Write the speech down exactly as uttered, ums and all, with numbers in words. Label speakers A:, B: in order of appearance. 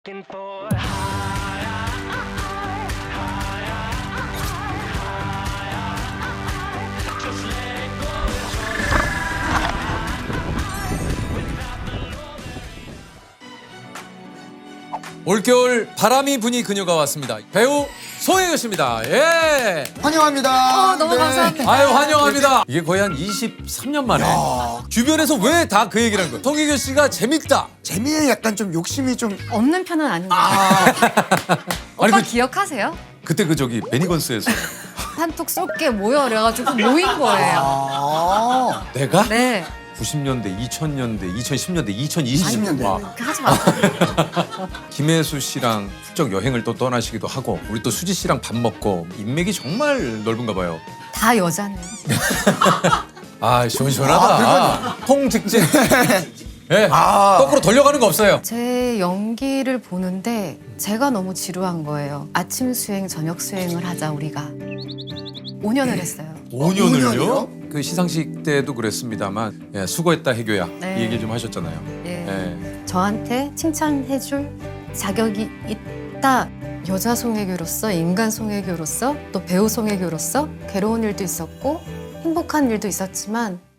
A: Looking for
B: 올겨울 바람이 부니 그녀가 왔습니다. 배우 송혜교 씨입니다. 예.
C: 환영합니다.
D: 어, 너무 감사합니다.
B: 아유 환영합니다. 이게 거의 한 이십삼 년 만에 주변에서 왜 다 그 얘기를 한 거예요? 송혜교 씨가 재밌다.
C: 재미에 약간 좀 욕심이 좀
D: 없는 편은 아닌데. 오빠
B: 아니, 그-
D: 기억하세요?
B: 그때 그 저기 베니건스에서
D: 한턱 쏠게 모여 그래가지고 모인 거예요.
C: 아,
B: 내가
D: 네.
B: 구십 년대, 이천 년대, 이천십 년대, 이천이십 년대
C: 년대.
B: 와.
D: 그렇게 하지 마세요.
B: 김혜수 씨랑 훌쩍 여행을 또 떠나시기도 하고 우리 또 수지 씨랑 밥 먹고 인맥이 정말 넓은가 봐요.
D: 다 여자네.
B: 아 시원시원하다. 통직진. 예.
C: 아.
B: 거꾸로 돌려가는 거 없어요.
D: 제 연기를 보는데 제가 너무 지루한 거예요. 아침 수행, 저녁 수행을 하자 우리가. 오 년을 했어요.
B: 오 년을요?
C: 년이요?
B: 그 시상식 때도 그랬습니다만 예, 수고했다 해교야
D: 네.
B: 이 얘기 좀 하셨잖아요.
D: 예.
B: 예.
D: 저한테 칭찬해줄 자격이 있다. 여자 송혜교로서, 인간 송혜교로서, 또 배우 송혜교로서 괴로운 일도 있었고 행복한 일도 있었지만